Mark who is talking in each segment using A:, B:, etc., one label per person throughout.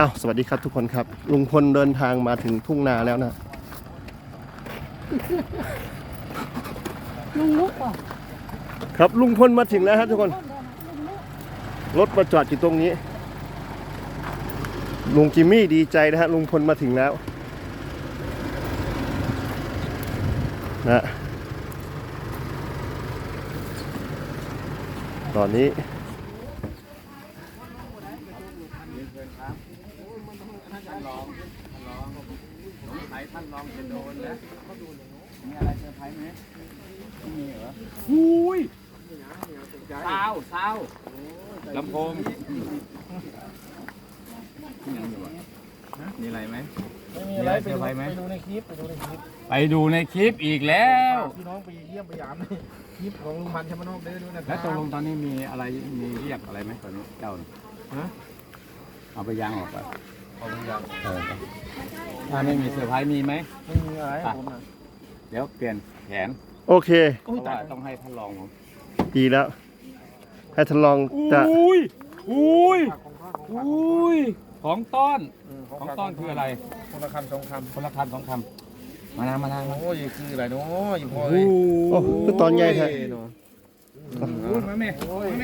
A: อ้าวสวัสดีครับทุกคนครับลุงพลเดินทางมาถึงทุ่งนาแล้วนะ
B: ลุงลุกว่ะ
A: ครับลุงพลมาถึงแล้วครับทุกคนรถมาจอดอยู่ตรงนี้ลุงจิมมี่ดีใจนะฮะลุงพลมาถึงแล้วนะตอนนี้
C: ท่านลองจะโดนแล้วมีอะไรเซอร์ไพรส์ไหมไม่มีเหรอหุ้ยซาวลำโพงมีอะไรไหมมีอะไรเซอร์ไพรส์ไหมไปดูในคลิปอีกแล้ว
D: พี่น้องไปเยี่ยมไปยามคลิปของลุงพันธ์ชมนกได้ด้วยนะครับ
C: แล้วตกลงตอนนี้มีอะไรมีเรียกอะไรไหมตอนนี้เจ้าเอาไปยางออกไปเอาไปยางถ้าไม่มีเซอร์ไพรส์มีไหม
D: ไม่มีอะไรผมนะ
C: เดี๋ยวเปลี่ยนแผน
A: โอเค
C: เพราะว่าต้องให้ท่านรองผม
A: ดีแล้วให้ท่านลองจะ
C: ของต้อนคืออะไร
D: คนละคำสองคำ
C: มานา
D: โอ้ยคืออะไรเนาะอยู่พอ
A: โอ้คือตอนใหญ่แท้
C: มาแม่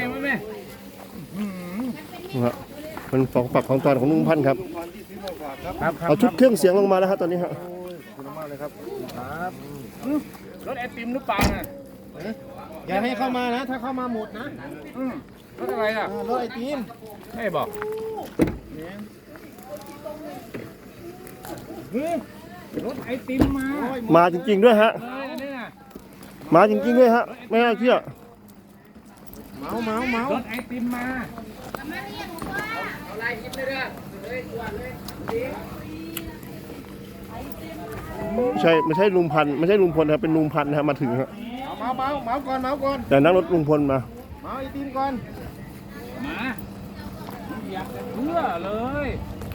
A: มันของฝักของตอนของลุงพันธ์ครับเอาชุดเครื่องเสียงลงมาแล้วครับตอนนี้ครับ
D: ขอบคุณมากเลยครับครับ
C: รถไอติมหรือเปล่าน่ะ
D: อย่าให้เข้ามานะถ้าเข้ามาหมดนะ
C: รถอะไรอ่ะ
D: รถไอติม
C: ไม่บอกรถไอติม
A: มาจริงๆด้วยฮะมาจริงๆด้วยฮะไม่น่าเชื่อ
D: เมาร
C: ถไอติมมา
A: ไม่ใช่ลุงพันธ์ไม่ใช่ลุงพลครับเป็นลุงพันธ์นะครับมาถึงครับ
D: เมาก่อน
A: แต่นั่งรถลุงพลมา
D: เมาไอติมก่อน
C: มาอยากจะเชื่อเลย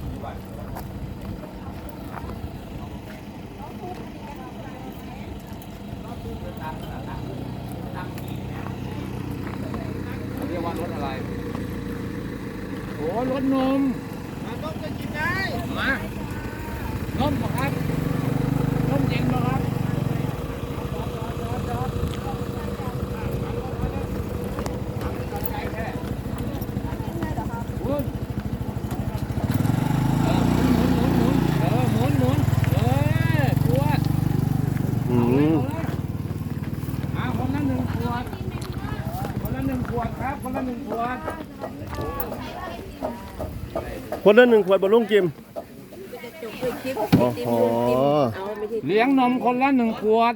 C: เรียกว่ารถอะไรโอ้รถนม
D: ต้มจะกินได้
C: มานมป่ะครับนมเย็นป่ะครับหมุนขวดคนละ1 ขวดคนละ1 ขวดครับคนละ1 ขวด
A: คนละ1 ขวดบนลุงจิม
C: เลี้ยงนมคนละ1 ขวด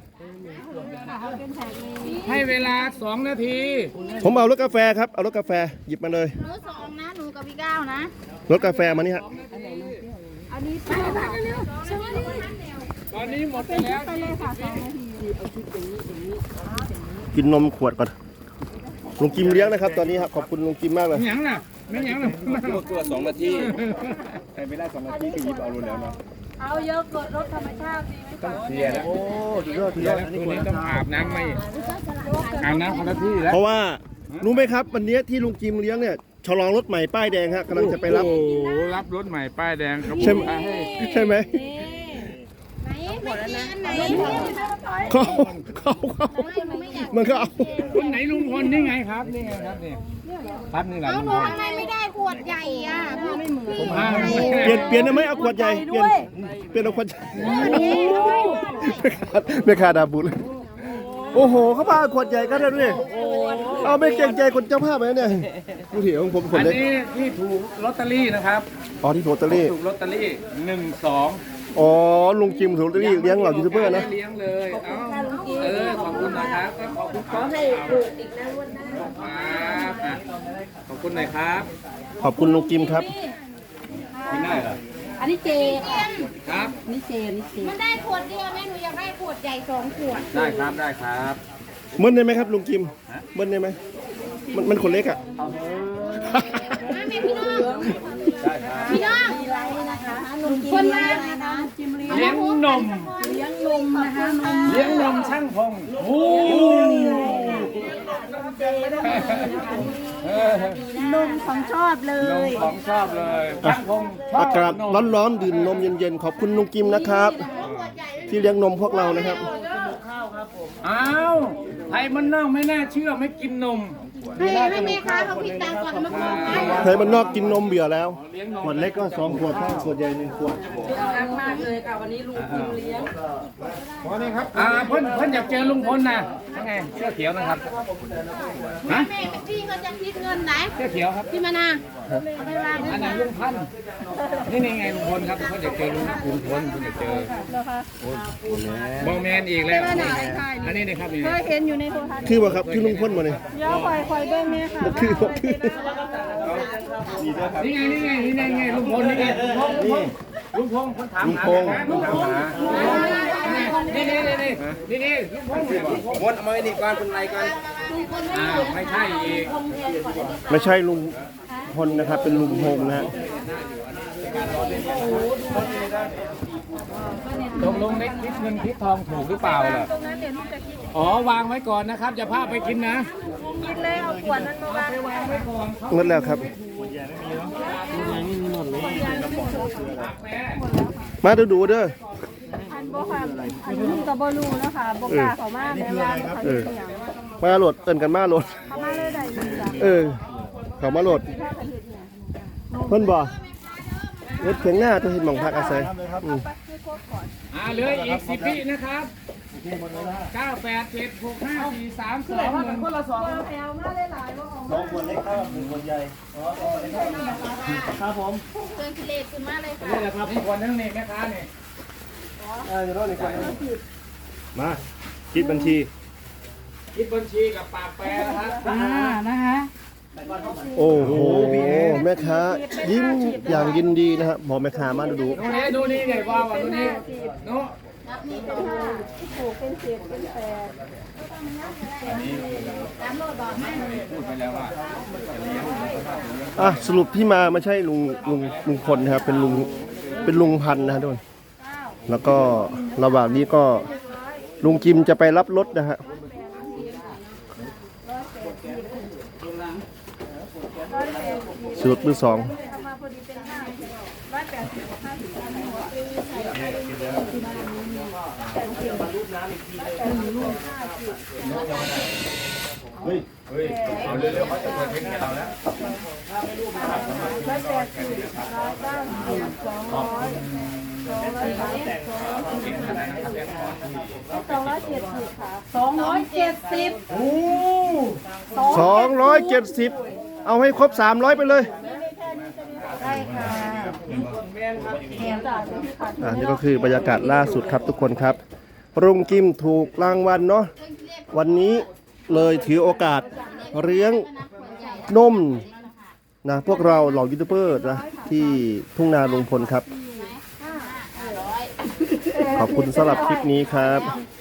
C: ให้เวลา2 นาที
A: ผมเอารถกาแฟครับเอารถกาแฟหยิบมาเลย
B: หนู2นะหนูกับพี่ก้าวนะ
A: รถกาแฟมานี่ฮะ
B: อันนี้ไปเร็ว
C: ตอนนี้หมดไปแล้ว
B: ไปเลยค่ะ2 นาที
A: กินนมขวดก่อนลุงจิมเลี้ยงนะครับตอนนี้ครับขอบคุณลุงจิมมากเลย
C: ไม่ยังน่ะตัว2 นาทีใครไม่ได้2 นาทีก็หยิบเอารู้แล้วเนาะ
B: เอาเยอะกดรถธรรมชาติดีไหม
C: ต้องเสียนะโอ้สุดยอดคืนนี้ต้องอาบน้ำไหมอาบน้ำคนละที่แล้ว
A: เพราะว่ารู้ไหมครับวันนี้ที่ลุงจิมเลี้ยงเนี่ยฉลองรถใหม่ป้ายแดงฮะกำลังจะไปรับ
C: รับรถใหม่ป้ายแดง
A: ใช่ไหมเขามันก็เอา
C: คนไหนลุงพลนี่ไงครับนี่ไงครับนี่ครับนี่แหละลุงพล
B: ทำไมไม่ได้ขวดใหญ่อ่ะไม่เหมื
A: อนเปลี่ยนได้ไหมเอาขวดใหญ่เปลี่ยนเอาขวดใหญ่ไม่ขาดดาบุญโอ้โหเขาพาขวดใหญ่กันแล้วด้วยเอาไม่เกรงใจคนเจ้าภาพไหมเนี่ยผู้ถือของผมคนเล็ก
C: อันนี้ที่ถูกลอตเตอรี่นะครับ
A: ที่ถูกลอตเตอรี่
C: ถูกลอตเตอรี่1 2
A: ลุงจิมถูกลอตเตอรี่เลี้ยงเหล่ายูทูบเบอร์นะ
C: เลี้ยงเลยขอบคุณนะครับขอให้ถูกอีกนะวันหน้าขอบคุณหน่อยครับ
A: ขอบคุณลุงจิมครับ
C: กินได้เหรอ
B: อันนี้เจ
C: ครับ
B: นี่เจมันได้ขวดเดียวแม่หนูอยากได้ขวดใหญ่2 ขวด
C: ได้ครับ
A: เบิ้ลได้ไหมครับลุงจิมเบิ้ลได้ไหมมันคนเล็กอ่ะ
B: พี่น้องคนละ
C: เลี้ยงนม
B: นะคะ
C: เลี้ยงนมช่างพง
B: นมของชอบเล
C: นม
B: ย
C: ของชอบเลยช่างพงชอบ
A: อากาศ
C: นม
A: ร้อนๆดื่มนมเย็นๆขอบคุณลุงกิมนะครับ ที่เลี้ยงนมพวกเรานะครับ
C: อ้าวไทยมันนั่งไม่น่าเชื่อไม่กินนม
B: ให้แม่ค้าเขาคิดตังค์ก่อนมาบอกให้
A: ใครมันนอกกินนมเบื่อแล้ว
C: เลี้ยงนม
A: ขวดเล็กก็2 ขวดถ้าขวดใหญ่1 ขวด
E: รักมากเลยค่ะวันนี้ลุงพิมเลี้ยง
D: ขอนี่ครับ
C: เพิ่นอยากเจอลุงพลนะยังไงเสื้อเขียวนะครับฮะ
B: แม่พี่เขาจะคิดเงินไหน
C: เสื้อเขียวครับ
B: พี่มานาเอาไปวาง
C: อันนั้นลุงพันธุ์นี่ไงลุงพลครับเพิ่นอยากเจอลุงพลเพิ่นอยากเจอโมแมนอีกแล้วอันนี้นะครับนี่
E: เคยเห็นอยู่ในโทรทัศน์
A: คือว่าครับคือลุงพ่นมาเนี่ย
E: ย่อคอยด้วยแม่ค่ะ
A: บ่คือบ่คือ
C: นี่ไงลุงพลนี่ไงลุงพลคนถามหาลุงพลนี่ลุงพล
D: มดเอามาไว้นี่ก่อนเป็นไรก่อน
C: ไม่ใช่อีก
A: ไม่ใช่ลุงพลนะครับ เป็นลุงพงษ์นะฮะ
C: ตกลงเล็กคิดเงินคิดทองถูกหรือเปล่าล่ะ
E: ตรงนั้นเดี๋ยวลุงจะคิด
C: อ๋อวางไว้ก่อนนะครับจะพาไปกินนะ
E: คิดเลยเอาขวดนั้นมาวางไว้
A: หมดแล้วครับ มาดูเด้อ
E: อันบ่ค่ะอันนี้ก็บ่รู้นะคะบ่กล้าเข้ามาแม่ว่าเขาเฮ็ดหยัง
A: มาโหลดเอิ้นกันมาโหลด
E: เข้ามาเลยได้ดีจ้ะ
A: เขามาโหลด
E: ถ้าจะเฮ็ดหยัง
A: เพิ่นบ่รถเพียงหน้าจะเห็นหมองพักอาศัยอืม
C: เหลืออีก10 วินะครับ987654321คนละ
E: แถวมาหลายๆบ่ออก
A: 2 ขวดเล็กครับ1 ขวดใหญ่ครับผม
B: เกินกิเลสขึ้นมาเลยค่ะ
C: นี่แหละครับคนนึงนี่แม่ค้านี่
A: อยู่รถนี่ก่อนมาคิดบัญชี
C: คิดบัญชีกับปากแปรนะครับ
E: นะคะ
A: โอ้โหแม่ค้ายิ้มอย่างยินดีนะครับบอกแม่ค้ามาดู
C: ดูนี่เนี่ยว่าดูนี่โน้
B: รับนี่ก็
E: ปลูกเป็น10เป็น8
B: ตามโลดบอกให้
C: พูดไปแล้วว่า
A: สรุปที่มาไม่ใช่ลุงพลนะครับ เป็นลุงพันธุ์นะฮะทุกคนแล้วก็ระหว่างนี้ก็ลุงกิมจะไปรับรถนะฮะสรุปมือ 2
E: เอามาพอดีเป็น
C: เอาเร็วๆเขาจะเปิดเพลงให้เราแล้ว
A: 270เอาให้ครบ300ไปเลยนี่ก็คือบรรยากาศล่าสุดครับทุกคนครับลุงกิมถูกรางวัลเนาะวันนี้เลยถือโอกาสเลี้ยงนมนะพวกเราเหล่ายูทูบเบอร์นะที่ทุ่งนาลุงพลครับ ขอบคุณสำหรับคลิปนี้ครับ